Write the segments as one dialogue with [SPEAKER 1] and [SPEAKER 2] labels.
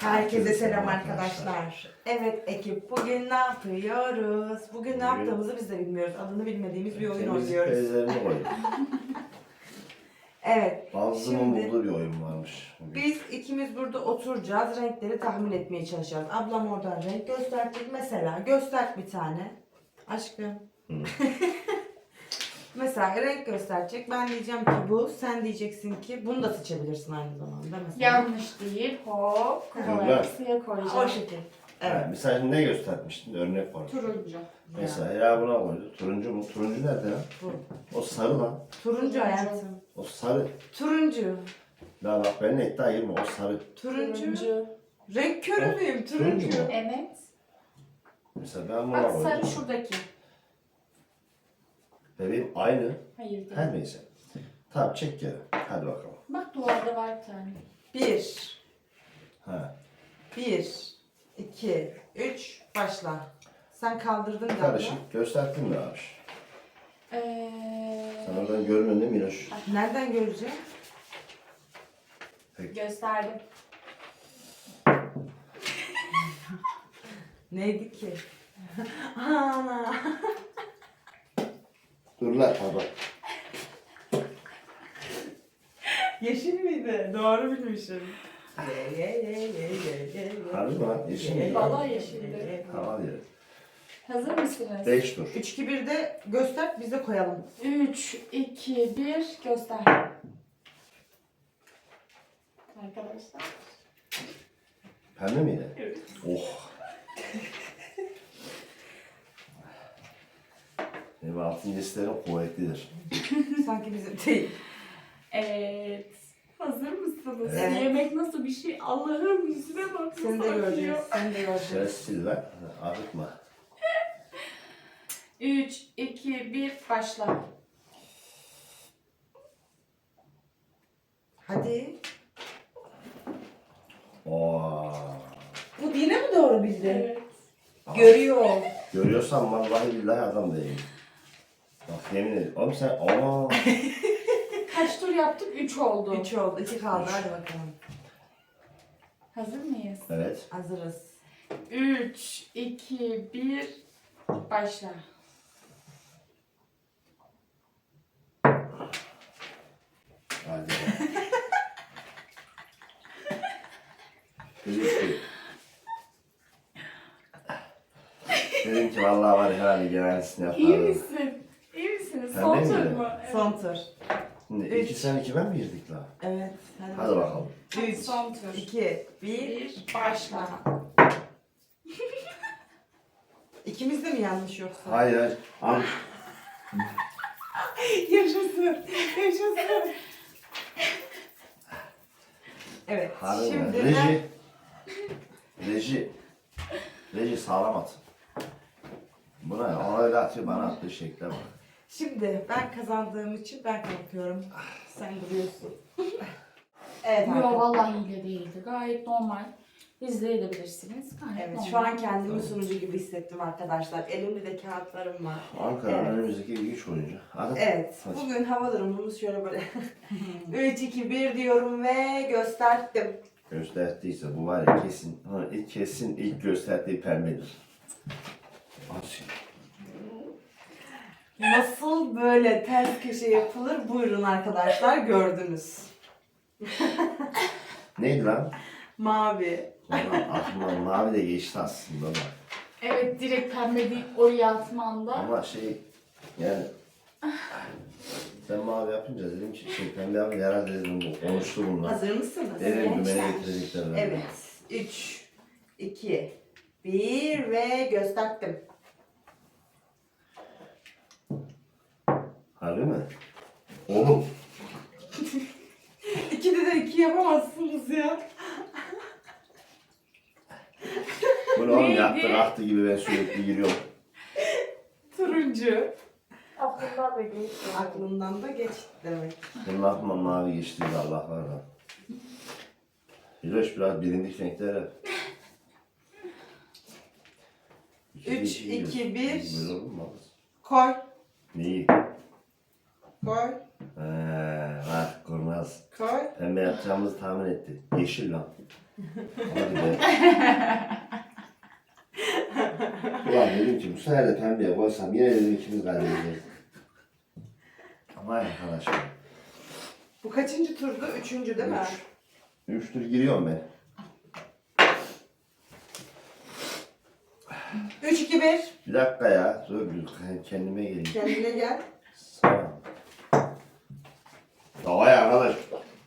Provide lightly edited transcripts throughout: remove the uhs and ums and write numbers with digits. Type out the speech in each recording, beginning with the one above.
[SPEAKER 1] Herkese selam arkadaşlar. Evet ekip, bugün ne yapıyoruz? Bugün ne yaptığımızı biz de bilmiyoruz. Adını bilmediğimiz bir oyun oynuyoruz.
[SPEAKER 2] Temizlik oyun.
[SPEAKER 1] Evet.
[SPEAKER 2] Bazımın
[SPEAKER 1] Şimdi
[SPEAKER 2] bulduğu bir oyun varmış.
[SPEAKER 1] biz ikimiz burada oturacağız. Renkleri tahmin etmeye çalışacağız. Ablam oradan renk gösterecek. Mesela göster bir tane. Aşkım. Mesela renk gösterecek. Ben diyeceğim ki bu. Sen diyeceksin ki bunu da seçebilirsin aynı zamanda. Mesela.
[SPEAKER 3] Yanlış değil. Hop. Kumaları suya koyacağım.
[SPEAKER 1] O şekil. Evet.
[SPEAKER 2] Evet. Mesela ne göstermiştin? Örnek var.
[SPEAKER 3] Turuncu.
[SPEAKER 2] Mesela ya buna koydu. Turuncu mu? Turuncu nerede ya?
[SPEAKER 1] Bu.
[SPEAKER 2] O sarı lan.
[SPEAKER 1] Turuncu hayatım.
[SPEAKER 2] O sarı.
[SPEAKER 1] Turuncu.
[SPEAKER 2] La bak ben iddia girme. O sarı.
[SPEAKER 1] Turuncu. Renk körü müyüm?
[SPEAKER 2] Turuncu
[SPEAKER 1] Turuncu.
[SPEAKER 2] mu?
[SPEAKER 3] Evet.
[SPEAKER 2] Mesela ben buna
[SPEAKER 3] Bak
[SPEAKER 2] koydum.
[SPEAKER 3] sarı şuradaki.
[SPEAKER 2] Bebeğim aynı.
[SPEAKER 3] Hayır değil.
[SPEAKER 2] Her neyse. Tamam çek geri. Hadi bakalım.
[SPEAKER 3] Bak duvarda var bir tane.
[SPEAKER 1] 1,
[SPEAKER 2] Ha.
[SPEAKER 1] 1, 2, 3, başla. Sen kaldırdın galiba.
[SPEAKER 2] Karışık. Gösterdin mi abi? Sen oradan görünün değil mi Minoş?
[SPEAKER 1] Nereden göreceğim?
[SPEAKER 3] Gösterdim.
[SPEAKER 1] Neydi ki? Ana.
[SPEAKER 2] Dur lan baba.
[SPEAKER 1] Yeşil miydi? Doğru bilmişim.
[SPEAKER 2] Harbi mi lan? Yeşil mi?
[SPEAKER 3] Vallahi yeşildi.
[SPEAKER 2] Tamam diyor.
[SPEAKER 3] Hazır mısınız?
[SPEAKER 2] 5 dur.
[SPEAKER 1] 3, 2, 1'de göster, biz de koyalım.
[SPEAKER 3] 3, 2, 1 göster. Arkadaşlar.
[SPEAKER 2] Pembe miydi?
[SPEAKER 3] Evet.
[SPEAKER 2] Oh. Benim altın cinslerim kuvvetlidir.
[SPEAKER 1] Sanki bizim değil.
[SPEAKER 3] Evet. Hazır mısınız?
[SPEAKER 1] Evet.
[SPEAKER 3] Yemek nasıl bir şey? Allah'ım yüzüne bak.
[SPEAKER 1] Seni de
[SPEAKER 3] nasıl
[SPEAKER 1] göreceğiz,
[SPEAKER 3] akıyor.
[SPEAKER 1] seni de göreceğiz.
[SPEAKER 2] Şerefsiz lan. Ağrıtma.
[SPEAKER 3] 3, 2, 1 başla.
[SPEAKER 1] Hadi.
[SPEAKER 2] Oo.
[SPEAKER 1] Bu yine mi doğru bildi?
[SPEAKER 3] Evet.
[SPEAKER 1] Görüyor.
[SPEAKER 2] Görüyorsan vallahi billahi adam değil. Bak yemin ederim. Oğlum sen aa.
[SPEAKER 3] Kaç tur yaptık? 3 oldu.
[SPEAKER 1] 3 oldu, 2 kaldı. Hadi bakalım.
[SPEAKER 3] Hazır mıyız?
[SPEAKER 2] Evet.
[SPEAKER 1] Hazırız.
[SPEAKER 3] 3, 2, 1 başla.
[SPEAKER 2] Hadi. Dedim ki. Dedim ki vallahi var ya herhalde genellisini yapardım.
[SPEAKER 3] İyi misin? İyi misiniz?
[SPEAKER 2] Ben
[SPEAKER 3] Son
[SPEAKER 2] de
[SPEAKER 3] tur
[SPEAKER 2] miyim?
[SPEAKER 3] mu? Evet.
[SPEAKER 1] Son tur.
[SPEAKER 2] Şimdi
[SPEAKER 1] Üç.
[SPEAKER 2] 2 sen 2 ben mi girdik la?
[SPEAKER 1] Evet.
[SPEAKER 2] Hadi bakalım.
[SPEAKER 1] 3,
[SPEAKER 3] Son tur.
[SPEAKER 1] 2, 1.
[SPEAKER 3] 1 başla.
[SPEAKER 1] İkimiz de mi yanlış yoksa?
[SPEAKER 2] Hayır hayır. Al.
[SPEAKER 1] Yaşasın. Yaşasın. Evet.
[SPEAKER 2] Harbi
[SPEAKER 1] Şimdi
[SPEAKER 2] mi? Reji. Reji. Reji sağlam at. Buna ya, ona öyle atıyor bana attığı şekle bak.
[SPEAKER 1] Şimdi ben kazandığım için ben kalkıyorum. Sen duruyorsun. Evet
[SPEAKER 3] Yok
[SPEAKER 1] arkadaşlar.
[SPEAKER 3] vallahi hile değildi. Gayet normal. İzleyebilirsiniz. Gayet
[SPEAKER 1] Evet
[SPEAKER 3] normal.
[SPEAKER 1] şu an kendimi sunucu gibi hissettim arkadaşlar. Elimde de kağıtlarım var.
[SPEAKER 2] Ankara'nın
[SPEAKER 1] Evet.
[SPEAKER 2] önümüzdeki ilginç oyuncu. Hadi.
[SPEAKER 1] Evet.
[SPEAKER 2] Hadi.
[SPEAKER 1] Bugün hava durumumuz şöyle böyle. 3, 2, 1 diyorum ve gösterdim.
[SPEAKER 2] Gösterdiyse bu var ya kesin ilk gösterdiği pembedir. Aç.
[SPEAKER 1] Nasıl böyle ters köşe yapılır? Buyurun arkadaşlar gördünüz.
[SPEAKER 2] Neydi lan?
[SPEAKER 1] Mavi.
[SPEAKER 2] Valla aklımdan mavi de geçti aslında da.
[SPEAKER 3] Evet direkt pembe değil oraya atmanda.
[SPEAKER 2] Ama yani sen mavi yapınca dedim ki pembe yapınca herhalde dedim bu konuştu bunlar.
[SPEAKER 1] Hazır mısınız?
[SPEAKER 2] Dedim
[SPEAKER 3] Evet.
[SPEAKER 2] dümene getirecekler. beni.
[SPEAKER 1] Evet. 3, 2, 1 ve gösterdim.
[SPEAKER 2] Harbi mi? Oğlum.
[SPEAKER 1] İkide de 2 yapamazsınız ya.
[SPEAKER 2] Bu ne oğlum
[SPEAKER 3] Neydi?
[SPEAKER 2] yaktı kalktı gibi ben sürekli giriyorum.
[SPEAKER 1] Turuncu.
[SPEAKER 3] Aklımdan da geçti.
[SPEAKER 1] Aklından da geçti demek.
[SPEAKER 2] Benim aklıma mavi geçtiydi Allah var da. Hiloş biraz bilindik renkler hep.
[SPEAKER 1] 3, 2, 1.
[SPEAKER 2] Böyle olur mu abi?
[SPEAKER 1] Koy.
[SPEAKER 2] Neyi?
[SPEAKER 1] Koy.
[SPEAKER 2] Bak kurnaz.
[SPEAKER 1] Koy.
[SPEAKER 2] Pembe yapacağımızı tahmin etti. Yeşil lan. Hadi be. Ulan dedim ki bu sefer de pembeye koysam yine dedim ikimiz kaybedeceğiz. Aman arkadaşlar.
[SPEAKER 1] Bu kaçıncı turdu? Üçüncü değil mi?
[SPEAKER 2] 3 tur giriyorum ben.
[SPEAKER 1] 3, 2, 1.
[SPEAKER 2] Bir dakika ya. Dur kendime geleyim.
[SPEAKER 1] Kendine gel.
[SPEAKER 2] Sağ ol. Vay arkadaş.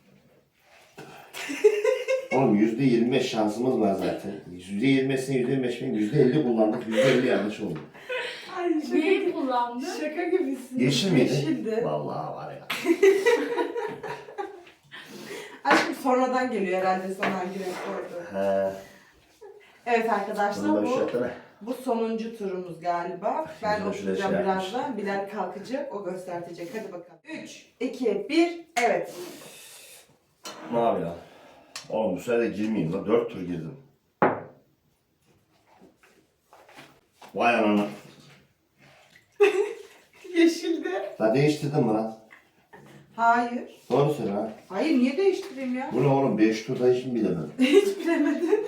[SPEAKER 2] Oğlum %25 şansımız var zaten. %20'sine %25 mi? %50 kullandık. %50 yanlış oldu.
[SPEAKER 1] Ay
[SPEAKER 3] Neyi kullandı?
[SPEAKER 1] Şaka gibisin.
[SPEAKER 2] Yeşil miydi?
[SPEAKER 1] Yeşildi.
[SPEAKER 2] Vallahi var ya.
[SPEAKER 1] Aşkım sonradan geliyor herhalde sana hangi renk koydu.
[SPEAKER 2] He.
[SPEAKER 1] Evet arkadaşlar
[SPEAKER 2] Bunu da bir şey
[SPEAKER 1] bu,
[SPEAKER 2] yapsana.
[SPEAKER 1] bu sonuncu turumuz galiba. Ben
[SPEAKER 2] Şimdi de şuraya
[SPEAKER 1] oturacağım
[SPEAKER 2] şey
[SPEAKER 1] birazdan. Bilal kalkacak, o göstertecek. Hadi bakalım. 3, 2, 1, evet.
[SPEAKER 2] Mavi lan. Oğlum bu sefer de girmeyeyim lan. 4 tur girdim. Vay anana.
[SPEAKER 1] Yeşildi.
[SPEAKER 2] La değiştirdin mi lan?
[SPEAKER 1] Hayır.
[SPEAKER 2] Doğru söyle ha.
[SPEAKER 1] Hayır niye değiştireyim ya?
[SPEAKER 2] Bu ne oğlum? 5 turda hiç mi bilemem?
[SPEAKER 1] Hiç bilemedin.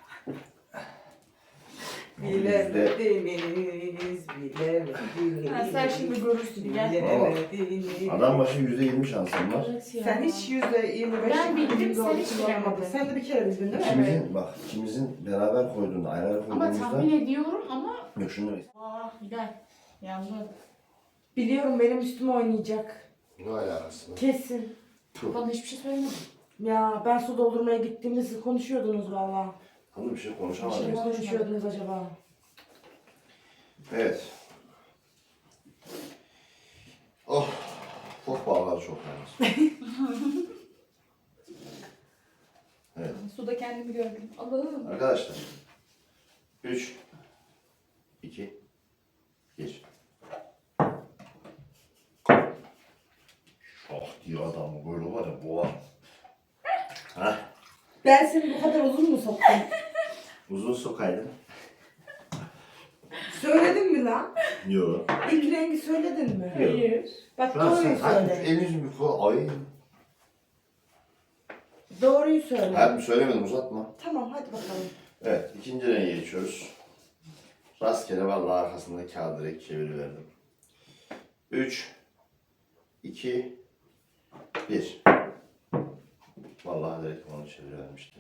[SPEAKER 2] Bizde-
[SPEAKER 1] Bilemediniz, bilemediniz.
[SPEAKER 3] Ha, sen şimdi görürsün, gel.
[SPEAKER 1] Bilemediniz.
[SPEAKER 2] Adam başı %20 şansım var.
[SPEAKER 3] Evet ya.
[SPEAKER 1] Sen hiç %25
[SPEAKER 3] Ben bildim,
[SPEAKER 1] %30
[SPEAKER 3] sen hiç
[SPEAKER 1] olamadın.
[SPEAKER 3] bilemedin.
[SPEAKER 1] Sen de bir kere bildin değil mi?
[SPEAKER 2] İkimizin, bak ikimizin beraber koyduğunda, ayrı ayrı
[SPEAKER 3] Ama
[SPEAKER 2] koyduğumuzda...
[SPEAKER 3] tahmin ediyorum ama...
[SPEAKER 2] Yok şunu demek.
[SPEAKER 3] Gel. Yandı.
[SPEAKER 1] Biliyorum benim üstüme oynayacak.
[SPEAKER 2] Ne alakası?
[SPEAKER 1] Kesin.
[SPEAKER 3] Bana hiçbir şey söylemedin.
[SPEAKER 1] Ya ben su doldurmaya gittiğimde siz konuşuyordunuz valla.
[SPEAKER 2] Hanım bir şey
[SPEAKER 3] Bir
[SPEAKER 2] konuşamadım.
[SPEAKER 3] şey
[SPEAKER 1] Ne konuşuyordunuz acaba?
[SPEAKER 2] Evet. Oh. Çok bağlar çok yalnız. Evet.
[SPEAKER 3] Suda kendimi gördüm. Allah'ım.
[SPEAKER 2] Arkadaşlar. 3 2 1 Şah diye adamı böyle var ya boğar. Hah.
[SPEAKER 1] Ben seni bu kadar uzun mu soktum?
[SPEAKER 2] Uzun sokaydın.
[SPEAKER 1] Söyledin mi lan?
[SPEAKER 2] Yok.
[SPEAKER 1] İlk rengi söyledin mi?
[SPEAKER 3] Hayır.
[SPEAKER 1] Bak
[SPEAKER 2] Şu an
[SPEAKER 1] doğruyu
[SPEAKER 2] sen hadi
[SPEAKER 1] söyle.
[SPEAKER 2] elinizi bir kol. Ay.
[SPEAKER 1] Doğruyu söyle.
[SPEAKER 2] Hadi söylemedim uzatma.
[SPEAKER 1] Tamam hadi bakalım.
[SPEAKER 2] Evet ikinci renge geçiyoruz. Rastgele vallahi arkasında kağıdı direkt çeviriverdim. 3 2 1 Vallahi direkt onu çevirivermiştim.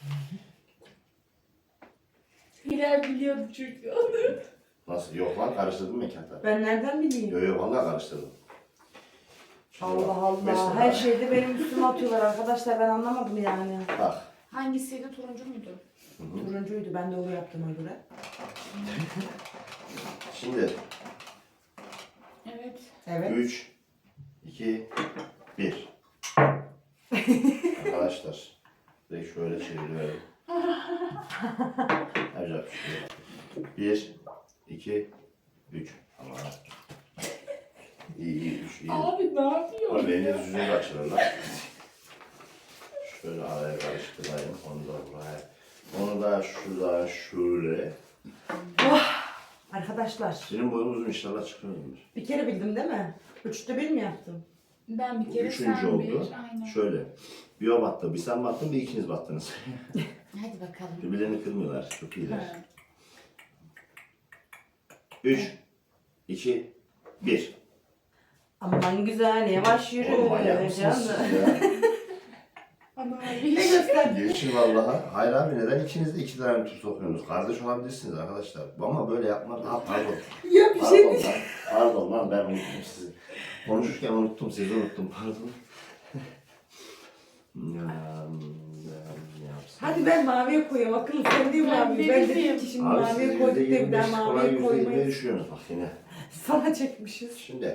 [SPEAKER 3] Hilal biliyordu çünkü.
[SPEAKER 2] Nasıl? Yok lan karıştırdım mı kağıtları?
[SPEAKER 1] Ben nereden bileyim?
[SPEAKER 2] Yok yok vallahi karıştırdım. Şimdi
[SPEAKER 1] Allah
[SPEAKER 2] bak,
[SPEAKER 1] Allah.
[SPEAKER 2] mesela
[SPEAKER 1] Her şeyde benim üstüme atıyorlar arkadaşlar. Ben anlamadım yani.
[SPEAKER 2] Bak.
[SPEAKER 3] Hangisiydi? Turuncu muydu?
[SPEAKER 1] Turuncuydu. Ben doğru yaptığıma göre.
[SPEAKER 2] Şimdi
[SPEAKER 3] Evet.
[SPEAKER 1] Evet.
[SPEAKER 2] 3 2 1 Arkadaşlar direkt şöyle çeviriyorum. Yapacak bir şey yok. 1 2 3 Ama iyi 3 iyi.
[SPEAKER 3] Abi ne yapıyor?
[SPEAKER 2] Oğlum eliniz yüzünü kaçırırlar. Şöyle araya karıştırayım. Onu da buraya. Onu da şuradan şöyle.
[SPEAKER 1] Arkadaşlar.
[SPEAKER 2] Benim boyum uzun inşallah çıkıyordur.
[SPEAKER 1] Bir kere bildim değil mi? 3'te 1 mi yaptım?
[SPEAKER 3] Ben bir
[SPEAKER 2] Bu
[SPEAKER 3] kere
[SPEAKER 2] üçüncü
[SPEAKER 3] sen
[SPEAKER 2] oldu.
[SPEAKER 3] bir. Aynen.
[SPEAKER 2] Şöyle. Bir o battı, bir sen battın, bir ikiniz battınız.
[SPEAKER 3] Hadi bakalım.
[SPEAKER 2] Birbirlerini kırmıyorlar. Çok iyiler.
[SPEAKER 3] Ha.
[SPEAKER 2] 3 2 1
[SPEAKER 1] Aman güzel yavaş yürü.
[SPEAKER 2] Oğlum manyak mısınız
[SPEAKER 1] canım.
[SPEAKER 2] siz ya?
[SPEAKER 3] Ama
[SPEAKER 1] Ne
[SPEAKER 3] abi.
[SPEAKER 1] göster?
[SPEAKER 2] Geçin vallahi. Hayır abi neden ikiniz de iki tane tur sokuyorsunuz? Kardeş olabilirsiniz arkadaşlar. Ama böyle yapmak... Ha pardon.
[SPEAKER 1] Ya bir şey
[SPEAKER 2] Pardon
[SPEAKER 1] değil.
[SPEAKER 2] lan. Pardon lan ben unuttum sizi. Konuşurken unuttum sizi unuttum pardon. Ne yapsın?
[SPEAKER 1] Hadi ben maviye koyayım. Akıllı sen değil
[SPEAKER 3] Ben
[SPEAKER 1] mavi. Ben dedim
[SPEAKER 3] bileyim.
[SPEAKER 1] ki şimdi
[SPEAKER 2] Abi
[SPEAKER 1] maviye
[SPEAKER 2] siz
[SPEAKER 1] koyduk diye bir daha
[SPEAKER 2] %25 kolay
[SPEAKER 1] maviye
[SPEAKER 2] %20'ye
[SPEAKER 1] koymayız.
[SPEAKER 2] düşüyorsunuz bak yine.
[SPEAKER 1] Sana çekmişiz.
[SPEAKER 2] Şimdi.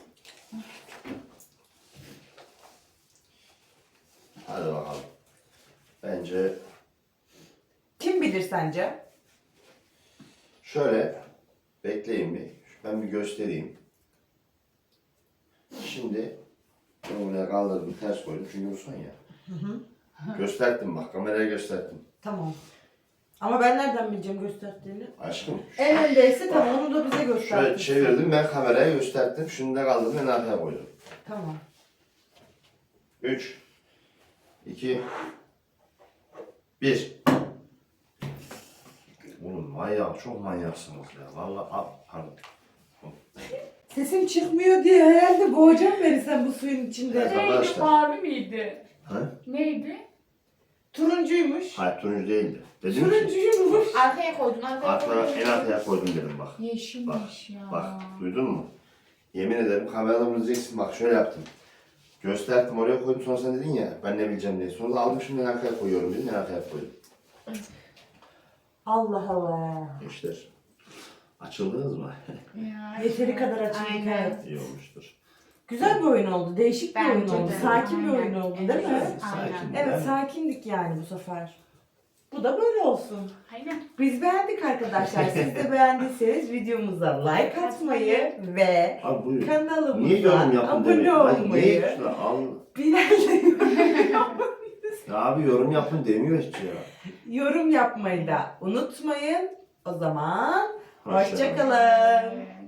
[SPEAKER 2] Hadi bakalım. Bence
[SPEAKER 1] Kim bilir sence?
[SPEAKER 2] şöyle bekleyin bir. Ben bir göstereyim. Şimdi bunu buraya kaldırdım ters koydum çünkü bu son ya. Gösterdim bak kameraya gösterdim.
[SPEAKER 1] Tamam. Ama ben nereden bileceğim gösterdiğini?
[SPEAKER 2] Aşkım
[SPEAKER 1] En öndeyse tamam onu da bize
[SPEAKER 2] şöyle
[SPEAKER 1] göster.
[SPEAKER 2] çevirdim ben kameraya gösterdim. Şunu da kaldırdım en arkaya koydum.
[SPEAKER 1] Tamam.
[SPEAKER 2] 3 2 1. Oğlum manyak, çok manyaksınız ya. Vallahi pardon.
[SPEAKER 1] Sesim çıkmıyor diye herhalde boğacağım beni sen bu suyun içinde.
[SPEAKER 2] Evet.
[SPEAKER 3] Neydi?
[SPEAKER 2] Arkadaşlar.
[SPEAKER 3] Mavi miydi?
[SPEAKER 2] Ha?
[SPEAKER 3] Neydi?
[SPEAKER 1] Turuncuymuş.
[SPEAKER 2] Hayır turuncu değildi. Dedim ki
[SPEAKER 1] Turuncuymuş.
[SPEAKER 4] Arkaya koydun, arkaya koydun.
[SPEAKER 2] en arkaya koydum dedim bak.
[SPEAKER 3] Yeşilmiş ya.
[SPEAKER 2] Bak duydun mu? Yemin ederim kameradan izleyeceksin bak şöyle yaptım. Gösterdim oraya koydum sonra sen dedin ya ben ne bileceğim diye. Sonra da aldım şimdi en arkaya koyuyorum dedim en arkaya koydum.
[SPEAKER 1] Allah Allah.
[SPEAKER 2] Gençler açıldınız mı?
[SPEAKER 4] Ya,
[SPEAKER 1] Yeteri kadar açıldık,
[SPEAKER 4] Aynen.
[SPEAKER 1] evet.
[SPEAKER 2] İyi olmuştur.
[SPEAKER 1] Güzel bir oyun oldu. Değişik bir oyun
[SPEAKER 4] Bence
[SPEAKER 1] oldu.
[SPEAKER 4] de.
[SPEAKER 1] Sakin bir
[SPEAKER 4] Aynen.
[SPEAKER 1] oyun oldu değil mi?
[SPEAKER 4] Evet.
[SPEAKER 2] Sakin.
[SPEAKER 1] Evet
[SPEAKER 2] Ben-
[SPEAKER 1] sakindik yani bu sefer. Bu da böyle olsun.
[SPEAKER 4] Aynen.
[SPEAKER 1] Biz beğendik arkadaşlar. Siz de beğendiyseniz videomuza like atmayı ve
[SPEAKER 2] Abi buyur. Niye
[SPEAKER 1] kanalımıza
[SPEAKER 2] yorum yapın
[SPEAKER 1] abone
[SPEAKER 2] demiyor? Hayır,
[SPEAKER 1] olmayı,
[SPEAKER 2] niye şuna al.
[SPEAKER 1] bilal'le
[SPEAKER 2] Ya abi yorum yapın demiyor hiç ya.
[SPEAKER 1] yorum yapmayı da unutmayın. O zaman
[SPEAKER 2] Hoşça
[SPEAKER 1] hoşça kalın.